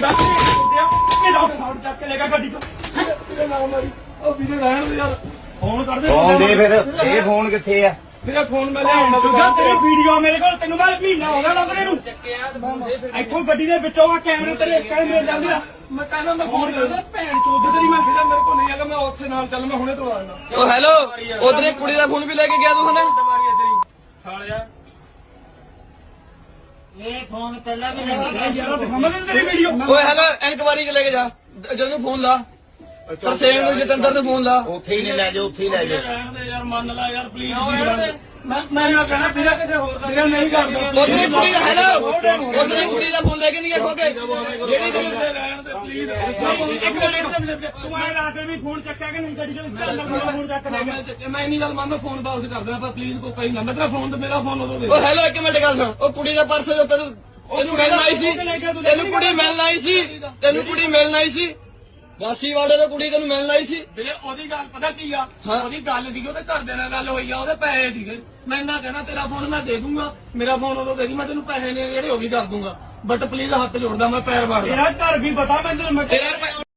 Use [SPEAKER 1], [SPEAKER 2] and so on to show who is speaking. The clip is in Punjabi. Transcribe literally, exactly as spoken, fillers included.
[SPEAKER 1] ਮੁੰਡਾ ਇਹ ਡਾਕਟਰ ਸਾਹਿਬ ਚੱਕ ਕੇ ਲੈ ਗਿਆ ਗੱਡੀ ਤੋਂ ਨਾ ਮਾਰੀ ਉਹ ਵੀਡੀਓ ਰਹਿਣ ਦੇ ਯਾਰ ਫੋਨ ਕਰ ਦੇ
[SPEAKER 2] ਫੋਨ ਦੇ ਫਿਰ ਇਹ ਫੋਨ ਕਿੱਥੇ ਆ
[SPEAKER 1] ਮੇਰਾ ਫੋਨ ਮੈਂ ਲਿਆਉਣਾ ਸੁਝਾ ਤੇਰੀ ਵੀਡੀਓ ਮੇਰੇ ਕੋਲ ਤੈਨੂੰ ਮੈਂ ਮਹੀਨਾ ਹੋ ਗਿਆ ਲੱਭਦੇ ਨੂੰ ਇੱਥੋਂ ਗੱਡੀ ਦੇ ਵਿੱਚੋਂ ਆ ਕੈਮਰੇ ਤੇਰੇ ਕੈਮਰੇ ਜਾਂਦੇ ਆ ਮੈਂ ਕਹਿੰਦਾ ਮੈਂ ਫੋਨ ਕਰਦਾ ਭੈਣ ਚੋਦ ਤੇਰੀ ਮੈਂ ਕਿਹਾ ਮੇਰੇ ਕੋਲ ਨਹੀਂ ਹੈਗਾ ਮੈਂ ਉੱਥੇ ਨਾਲ ਚੱਲ ਮੈਂ ਹੁਣੇ ਤੋਂ ਆ ਜਾਣਾ
[SPEAKER 3] ਓ ਹੈਲੋ ਉਧਰੇ ਕੁੜੀ ਦਾ ਫੋਨ ਵੀ ਲੈ ਕੇ ਗਿਆ ਤੂੰ ਹਨਾ
[SPEAKER 1] ਸਾਲਿਆ
[SPEAKER 2] ਇਹ ਫੋਨ ਪਹਿਲਾਂ ਵੀ ਲੈ ਕੇ ਗਿਆ
[SPEAKER 1] ਯਾਰ ਦਿਖਾਵਾਂ ਤੇਰੀ ਵੀਡੀਓ
[SPEAKER 3] ਓਏ ਹੈਲੋ ਇਨਕੁਆਰੀ ਚ ਲੈ ਕੇ ਜਾ ਜਦੋਂ ਫੋਨ ਲਾ ਤਰਸੇਮ ਨੂੰ ਜਤਿੰਦਰ ਨੂੰ ਫੋਨ ਲਾ
[SPEAKER 2] ਉੱਥੇ ਹੀ ਨਹੀਂ ਲੈ ਜਾ ਉੱਥੇ ਹੀ ਲੈ ਜਾ
[SPEAKER 1] ਰਹਿਣ ਦੇ ਯਾਰ ਮੰਨ ਲੈ ਯਾਰ ਪਲੀਜ਼ ਮੈਂ ਮੈਂ ਨਾ ਕਹਿਣਾ ਤੇਰਾ ਕਿਸੇ ਹੋਰ ਦਾ ਨਹੀਂ ਕਰਦਾ
[SPEAKER 3] ਉਧਰੇ ਕੁੜੀ ਦਾ ਹੈਲੋ ਉਧਰੇ ਕੁੜੀ ਦਾ ਫੋਨ ਲੈ ਕੇ ਨਹੀਂ ਗਿਆ ਖੋਕੇ ਜਿਹੜੀ ਤੈਨੂੰ
[SPEAKER 1] ਰਹਿਣ ਦੇ ਪਲੀਜ਼ ਇੱਕ ਮਿੰਟ ਤੂੰ ਆਏ ਰਾਤ ਵੀ ਫੋਨ ਚੱਕਿਆ ਕਿ ਨਹੀਂ ਗੱਡੀ ਚੋਂ ਫੋਨ ਚੱਕ ਲੈ ਗਿਆ ਮੈਂ ਇੰਨੀ ਗੱਲ ਮੰਨਦਾ ਫੋਨ ਵਾਪਸ ਕਰ ਦੇਣਾ ਪਰ ਪਲੀਜ਼ ਕੋਈ ਪਈ ਨਾ ਮੈਂ ਤੇਰਾ ਫੋਨ ਤੇ ਮੇਰਾ ਫੋਨ ਉਦੋਂ ਦੇ
[SPEAKER 3] ਓ ਹੈਲੋ ਇੱਕ ਮਿੰਟ ਗੱਲ ਸੁਣ ਉਹ ਕੁੜੀ ਦਾ ਪਰਸ ਜੋ ਤੈਨੂੰ ਤੈਨੂੰ ਮਿਲਣ ਆਈ ਸੀ ਤੈਨੂੰ ਕੁੜੀ ਮਿਲਣ ਆਈ ਸੀ ਤੈਨੂੰ ਕੁੜੀ ਮਿਲਣ ਆਈ ਸੀ ਵਾਸੀ ਵਾਲੇ ਦੀ ਕੁੜੀ ਤੈਨੂੰ ਮਿਲਣ ਆਈ ਸੀ
[SPEAKER 1] ਵੀਰੇ ਉਹਦੀ ਗੱਲ ਪਤਾ ਕੀ ਆ ਉਹਦੀ ਗੱਲ ਸੀਗੀ ਉਹਦੇ ਘਰਦਿਆਂ ਨਾਲ ਗੱਲ ਹੋਈ ਆ ਉਹਦੇ ਪੈਸੇ ਸੀਗੇ ਮੈਂ ਨਾ ਕਹਿਣਾ ਤੇਰਾ ਫੋਨ ਮੈਂ ਦੇ ਦੂੰਗਾ ਮੇਰਾ ਫੋਨ ਉਦੋਂ ਦੇ ਦੀ ਮੈਂ ਤੈਨੂੰ ਪੈਸੇ ਨੇ ਜਿਹੜੇ ਉਹ ਵੀ ਕਰ ਦੂੰਗਾ ਬਟ ਪਲੀਜ਼ ਹੱਥ ਜੋੜਦਾ ਮੈਂ ਪੈਰ ਵਾੜਦਾ ਤੇਰਾ ਘਰ ਵੀ ਪਤਾ ਮੈਨੂੰ
[SPEAKER 3] ਤੇਰਾ